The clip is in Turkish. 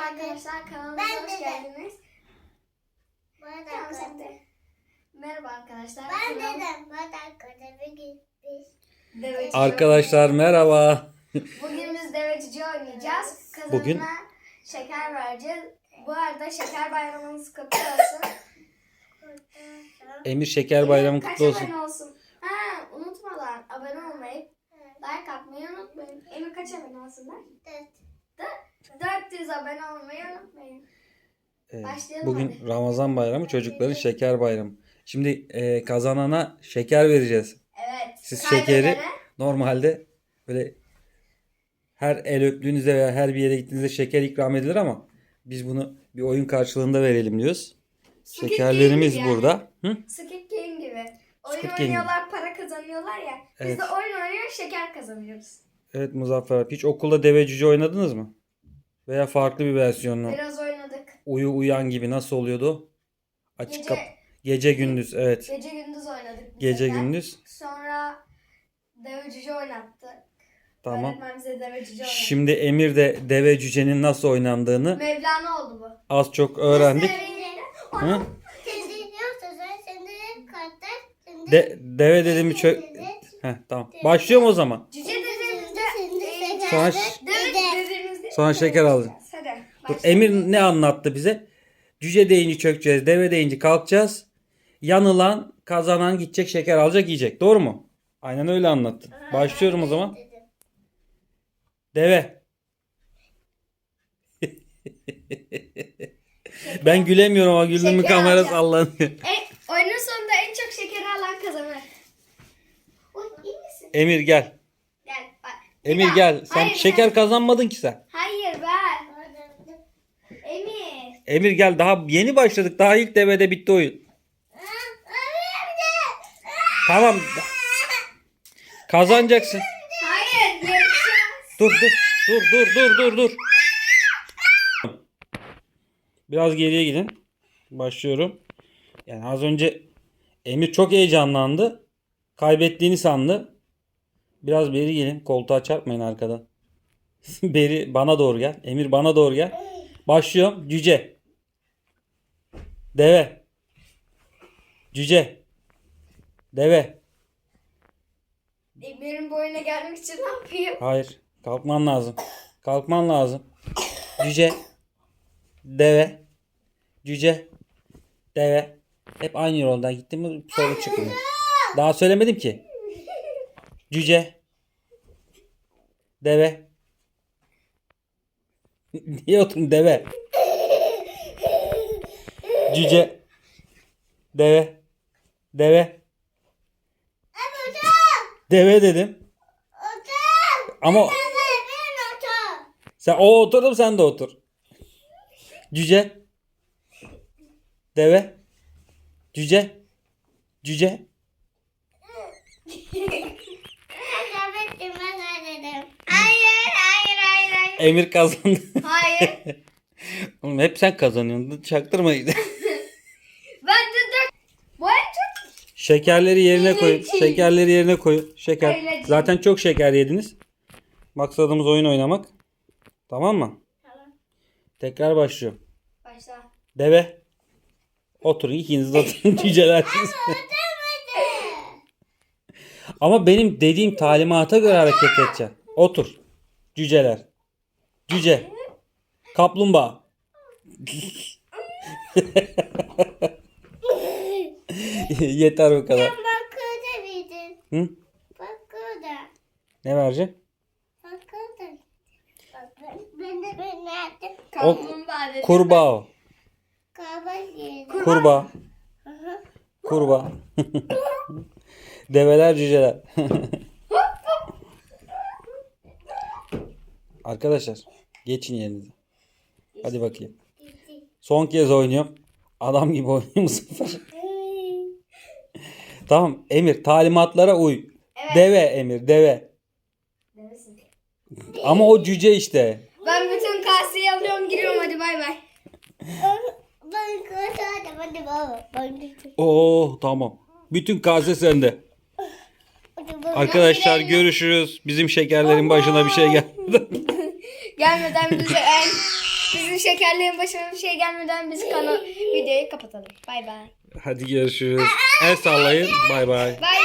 arkadaşlar, kanalımıza hoş geldiniz. Tamam, sen de. Merhaba arkadaşlar. Ben dedim. Devecici Arkadaşlar merhaba. Bugün biz devecici oynayacağız. Kazanana Bugün şeker vereceğiz. Bu arada şeker bayramınız kutlu olsun. Emir Şeker Bayramı Kaç kutlu olsun. abone olsun? Ha, unutmadan abone olmayı, like atmayı unutmayın. Emir kaç abone olsunlar? 400 abone olmayı unutmayın. Başlayalım Bugün hadi. Ramazan Bayramı, çocukların Şeker Bayramı. Şimdi kazanana şeker vereceğiz. Evet. Siz kaybedene şekeri normalde böyle her el öptüğünüzde veya her bir yere gittiğinizde şeker ikram edilir ama biz bunu bir oyun karşılığında verelim diyoruz. Squid Şekerlerimiz Game gibi burada. Hı? Squid Game gibi. Oyun Squid Game oynuyorlar, para kazanıyorlar ya. Biz Evet. de oyun oynuyor, şeker kazanıyoruz. Evet Muzaffer abi. Hiç okulda deve cüce oynadınız mı? Veya farklı bir versiyonunu. Biraz oynadık. Uyan gibi nasıl oluyordu? Açık Gece- kap. Gece gündüz evet. Gece gündüz oynadık. bir Gece sefer. gündüz. Sonra deve cüce oynattık. Tamam. Öğretmen bize deve cüce oynattı. Şimdi Emir de deve cücenin nasıl oynandığını Mevlana oldu bu. az çok öğrendik. Hı? Deve dedim bir Heh, tamam. Başlıyorum o zaman. Cüce dediğimizde Sonra, deve dediğimizde sonra şeker alacağım. Hadi. Dur, başlayalım. Emir ne anlattı bize? Cüce deyince çökeceğiz, deve deyince kalkacağız. Yanılan, kazanan gidecek, şeker alacak, yiyecek. Doğru mu? Aynen öyle anlattı. Başlıyorum o zaman. Deve. Ben gülemiyorum ama güldüm mü Şeker kamera alacağım. sallanıyor. Oyunun sonunda en çok şekeri alan kazanır. Oy, iyi misin? Emir gel. Gel bak. Emir daha. gel. Sen Hayır, şeker kazanmadın ki sen. Hayır ver. Emir. Emir gel, daha yeni başladık. Daha ilk devede bitti oyun. Tamam. Kazanacaksın. Hayır yarışacağız. Dur. Biraz geriye gidin. Başlıyorum. Yani az önce Emir çok heyecanlandı. Kaybettiğini sandı. Biraz beri gelin. Koltuğa çarpmayın arkadan. Beri bana doğru gel. Emir bana doğru gel. Başlıyorum. Cüce. Deve. Cüce. Deve. Emir'in boyuna gelmek için ne yapayım? Hayır. Kalkman lazım. Kalkman lazım. Cüce. Deve. Cüce. Deve. Hep aynı yoldan gittim mi soru çıkmıyor. Daha söylemedim ki. Cüce. Deve. Niye oturdun deve? Cüce. Deve. Deve. Deve dedim. Ama sen o oturdum sen de otur. Cüce. Deve. Cüce. Cüce. Hayır. Emir kazandı. Hayır. Oğlum hep sen kazanıyorsun. Çaktırma. Ben de dört. Bu en çok. Şekerleri yerine koy. Şekerleri yerine koy. Şeker. Öylece. Zaten çok şeker yediniz. Maksadımız oyun oynamak. Tamam mı? Tamam. Tekrar başlıyorum. Başla. Deve. Oturun. İkiniz de oturun. Cücelersiniz. Ama benim dediğim talimata göre hareket edeceksin. Otur. Cüceler. Cüce. Kaplumbağa. Yeter bu kadar. Hı? Ne vereceksin? Kaplumbağa dedim. Kurbağa o. Kurbağa. Kurbağa. Develer cüceler. Arkadaşlar geçin yerinize. Hadi bakayım. Son kez oynuyorum. Adam gibi oynuyor bu sefer. Tamam Emir, talimatlara uy. Evet. Deve Emir, deve. Devesin. Ama o cüce işte. Ben bütün kaseyi alıyorum, giriyorum, hadi bay bay. Oo tamam. Bütün kase sende. Arkadaşlar görüşürüz. Bizim şekerlerin başına bir şey geldi. Gelmeden bize Bizim şekerlerin başına bir şey gelmeden biz videoyu kapatalım. Bay bay. Hadi görüşürüz. El sallayın. Bay bay. Bay